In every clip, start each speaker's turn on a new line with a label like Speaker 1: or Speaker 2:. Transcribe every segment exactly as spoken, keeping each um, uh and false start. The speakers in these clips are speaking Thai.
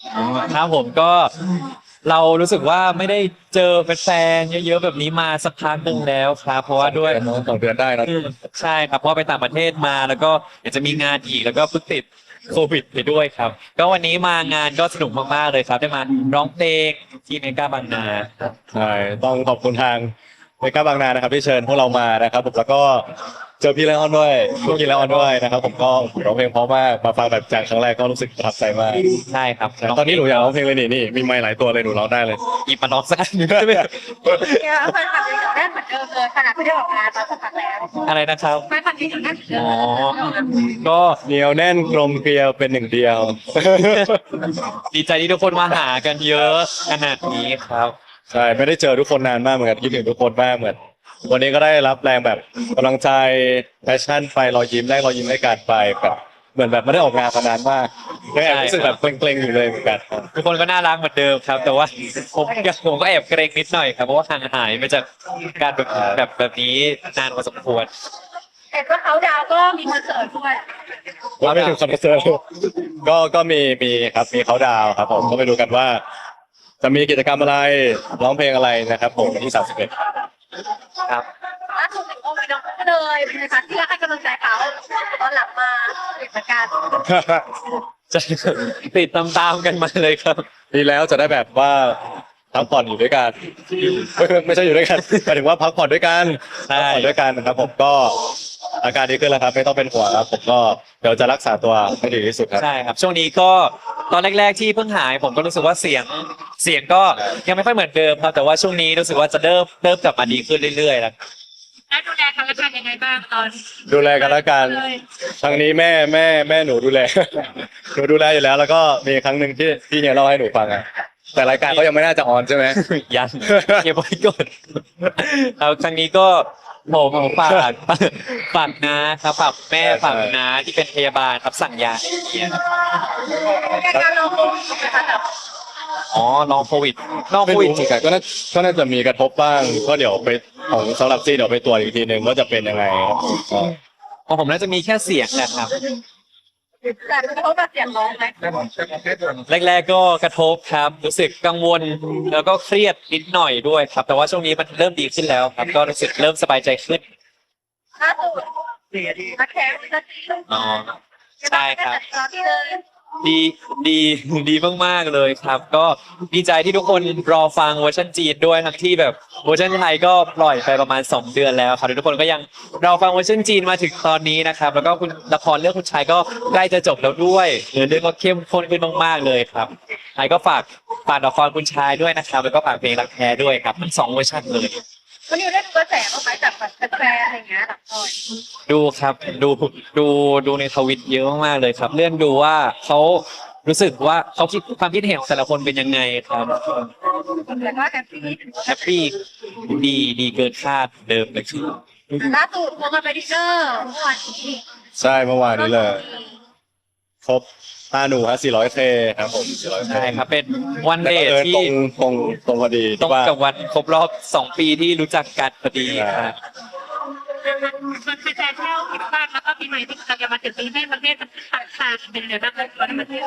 Speaker 1: ครับผมก็เรารู้สึกว่าไม่ได้เจอแฟนๆเยอะๆแบบนี้มาสักพักหนึ่งแล้วครับเพราะว่าด้วย
Speaker 2: สองเดือนได้นะ
Speaker 1: อืมใช่ครับเพราะไปต่างประเทศมาแล้วก็อยากจะมีงานอีกแล้วก็เพิ่งติดโควิดไปด้วยครับก็วันนี้มางานก็สนุกมากๆเลยครับได้มาร้องเพลงที่เมกาบางนาครับ
Speaker 2: ใช่ต้องขอบคุณทางเมกาบางนานะครับที่เชิญพวกเรามานะครับผมแล้วก็เจอพี่ไลออนด้วยพี่ไลออนด้วยนะครับผมก็ร้องเพลงเพราะมากมาฟังแบบจากครั้งแรกก็รู้สึกประทับใจมาก
Speaker 1: ใช่ครับ
Speaker 2: ตอนนี้หนูอยากร้องเพลงเลยนี่นี่มีไมค์หลายตัวเลยหนูร้องได้เลย
Speaker 1: หยิบมาร้องสักอันหนึ่งได้ไหม
Speaker 3: เนี่ยแฟนคลับยังเหนียวแน่นเหมือนเดิมเลยขนาดไม่ได้ออกงานมาสักพักแล้ว
Speaker 1: อะไรนะครับ
Speaker 3: แฟนคลับยังเหนียวแน่นเหมือนเดิ
Speaker 1: อ๋อ
Speaker 3: ม
Speaker 1: ก็
Speaker 2: เหนียวแน่นกลมเกลียวเป็นหนึ่งเดียว
Speaker 1: ดีใจที่ทุกคนมาหากันเยอะขนาดนี้ครับ
Speaker 2: ใช่ไม่ได้เจอทุกคนนานมากเหมือนกันคิดถึงทุกคนมากเหมือนวันนี้ก็ได้รับแรงแบบกำลังใจแพชชั่นไปรอยยิ้มได้รอยยิ้มได้การไปแบบเหมือนแบบไม่ได้ออกงานมานานมากยังแอบรู้สึกแบบเกรงๆอยู่เลยเหมือนกัน
Speaker 1: ทุกคนก็น่ารักเหมือนเดิมครับ แต่ว่าผมผมก็แอบเกรงนิดหน่อยครับเพราะว่าห่างหายไปจากการแบบแบบแบบนี้นานพอสมควร
Speaker 3: เห็นว่าเขาดาวก็มีคอนเสิร์ตด้วย
Speaker 2: ว่าไม่ถึงคอนเสิร์ตก็ก็มีมีครับมีเขาดาวน์ครับผมก็ไปดูกันว่า จะมีกิจกรรมอะไรร้องเพลงอะไรนะครับผมวันที่สามสิบเอ็ด
Speaker 1: ครับ
Speaker 3: ล่าสุดถึงโอมีน้องก็เลยเป็นไงคะที่รักให้กำลังใจเขาตอนหลังมาเหมือนกัน
Speaker 1: จะติดตามๆกันมาเลยครับ
Speaker 2: ดีแล้วจะได้แบบว่าพักผ่อนอยู่ด้วยกันไม่ไม่ใช่อยู่ด้วยกันหมายถึงว่าพักผ่อนด้วยกัน
Speaker 1: ใช่
Speaker 2: พักผ่อนด้วยกันนะครับผมก็อาการดีขึ้นแล้วครับไม่ต้องเป็นห่วงครับผมก็เดี๋ยวจะรักษาตัวให้ดีที่สุดครับ
Speaker 1: ใช่ครับช่วงนี้ก็ตอนแรกๆที่เพิ่งหายผมก็รู้สึกว่าเสียงเสียงก็ยังไม่ค่อยเหมือนเดิมครับแต่ว่าช่วงนี้รู้สึกว่าจะเริ่มเริ่มกลับมาดีขึ้นเรื่อยๆแล้ว
Speaker 3: ได้ดูแลกันและกันยังไงบ้างตอน
Speaker 2: ดูแลกันแล้วกันทางนี้แม่แม่แม่หนูดูแล หนูดูแลอยู่แล้ว แล้วก็มีครั้งหนึ่งที่ที่เฮียเล่าให้หนูฟังอะแต่รายการเขายังไม่น่าจะออนใช่ไหม
Speaker 1: ยันเก็บไว้ก่อนเอาครั้งนี้ก็ผมฝากฝากนะครับฝากแม่ฝากน้าที่เป็นพยาบาลครับสั่งยาให้เฮีย
Speaker 3: การลงทุนนะคะแต่
Speaker 1: อ๋อลองโควิดลอง
Speaker 2: ไม่
Speaker 1: โควิด
Speaker 2: รู้เหมือนกันก็น่าก็น่าจะมีกระทบบ้างก็เดี๋ยวไปของสำหรับซีเดี๋ยวไปตรวจอีกทีหนึ่งว่าจะเป็นยังไงครับก็
Speaker 1: ของผมน่าจะมีแค่เสียงแหละครับ
Speaker 3: แต่เขาแบบเสียงร้องไหม
Speaker 1: แรกๆก็กระทบครับรู้สึกกังวลแล้วก็เครียดนิดหน่อยด้วยครับ แต่ว่าช่วงนี้มันเริ่มดีขึ้นแล้วครับ ก็รู้สึกเริ่มสบายใจขึ้น
Speaker 3: ล่าสุดนักแข่งนักที
Speaker 1: อ๋อใช่ครับ
Speaker 3: เราที่เลย
Speaker 1: ดีดีดีมากๆเลยครับ ก็ดีใจที่ทุกคนรอฟังเวอร์ชันจีนด้วยทั้งที่แบบเวอร์ชันไทยก็ปล่อยไปประมาณสองเดือนแล้วครับทุกคนก็ยังรอฟังเวอร์ชันจีนมาถึงตอนนี้นะครับ แล้วก็คุณละครเรื่องคุณชายก็ใกล้จะจบแล้วด้วยเนื้อเรื่องก็เข้มข้นขึ้นมากๆเลยครับไทยก็ฝากฝากละครคุณชายด้วยนะครับ แล้วก็ฝากเพลงรักแท้ด้วยครับทั้งสองเวอร์ชันเลย
Speaker 3: วันนี้ได้ดูกระแสบ้างไหมจากแบบแฟนๆอะไรอย่างเงี้ยหลังตอน
Speaker 1: ดูครับดูดูดูในทวิตเยอะมากๆเลยครับ เลื่อนดูว่าเขารู้สึกว่าเขาคิดความคิดเห็นของแต่ละคนเป็นยังไงครับ
Speaker 3: แล้วก็แฮปปี้
Speaker 1: แฮปปี้ดีดีเกินคาดเดิมเลยครับ
Speaker 3: ล่าสุดวงการไปดิเนอร์เมื่อวานนี้
Speaker 2: ใช่เมื่อวานนี้เลยครบห้าหนูฮะสี่ร้อยเคครับผมสี่ร้อยเค
Speaker 1: ใช่ครับเป็นวัน
Speaker 2: แต่
Speaker 1: เด
Speaker 2: บัง
Speaker 1: ท
Speaker 2: เอิญ
Speaker 1: ที่
Speaker 2: ตรงตรงตรงพอดี
Speaker 1: ตรง
Speaker 2: ที่ว่า
Speaker 1: กับวันครบรอบสองปีที่รู้จักกันพอดีครับ
Speaker 3: มันเป็นแฟนเที่ยวที่บ้านแล้วก็ปีใหม่ที่กำลังจะมาถึงปีให้ประเทศมันขาดขาดเป็นเดือนนั้นเลยตอนนี้ประเทศ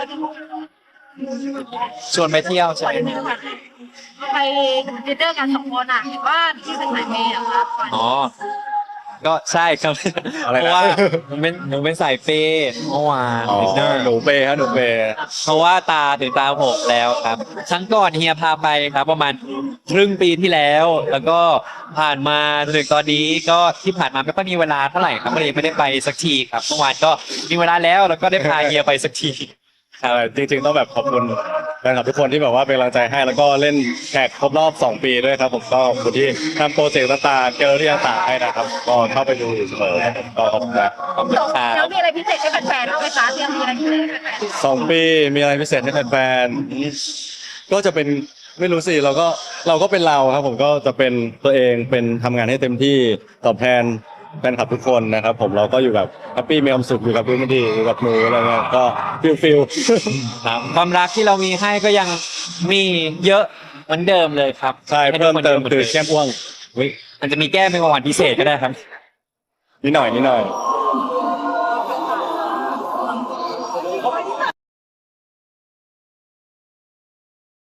Speaker 1: ชวนไปเที่ยวใช่ไหม
Speaker 3: ไปดินเนอร์กันสองคนอ่ะเห็นว่าที่เป็นสายเมย์อะครับ
Speaker 1: อ๋อก็ใช่ครับ
Speaker 2: อะไรนะ
Speaker 1: เพราะว่าผมเป็นผมเป็นสายเปย์เมื่อวาน
Speaker 2: อ๋อ
Speaker 1: ดินเนอร์
Speaker 2: หนูเปย์ฮะหนูเปย์
Speaker 1: เพราะว่าตาถึงตาผมแล้วครับครั้งก่อนเฮียพาไปครับ ประมาณครึ่งปีที่แล้ว แล้วก็ผ่านมาจนถึงตอนนี้ก็ที่ผ่านมาไม่ค่อยมีเวลาเท่าไหร่ครับก็เลยไม่ได้ไปสักทีครับเมื่อวานก็มีเวลาแล้วแล้วก็ได้พาเฮียไปสักที
Speaker 2: ใช่จริงๆต้องแบบขอบคุณแฟนคลับทุกคนที่แบบว่าเป็นกำลังใจให้แล้วก็เล่นแขกครบรอบสองปีด้วยครับผมก็ขอบคุณที่ทำโปรเจกต์ต่างๆเจอที่ต่างๆให้นะครับก็เข้าไปดูอยู่เสมอครับผมก็ขอบคุณนะ
Speaker 1: ขอบคุณครับ
Speaker 3: แล้วมีอะไรพิเศษให้แฟนๆบ้างไหมคะเตรียมมีอะไรพิเศษให้แฟน
Speaker 2: สองปีมีอะไรพิเศษให้แฟนๆก็จะเป็นไม่รู้สิเราก็เราก็เป็นเราครับผมก็จะเป็นตัวเองเป็นทำงานให้เต็มที่ตอบแทนแฟนคลับทุกคนนะครับผมเราก็อยู่แบบแฮปปี้มีความสุขอยู่กับพื้นที่อยู่กับหนูอะไรเงี้ยก็ฟิลฟิล
Speaker 1: ครับความรักที่เรามีให้ก็ยังมีเยอะเหมือนเดิมเลยครับ
Speaker 2: ใช่
Speaker 1: ให้ทุ
Speaker 2: เพิ่
Speaker 1: ก
Speaker 2: ม
Speaker 1: คน
Speaker 2: เติม
Speaker 1: หน
Speaker 2: คือ
Speaker 1: ดิ
Speaker 2: แก้มอ้วง
Speaker 1: อุ๊ยอาจจะมีแก้เป็นของหวานพิเศษก็ได้ครับ
Speaker 2: นิดหน่อยนิดหน่อย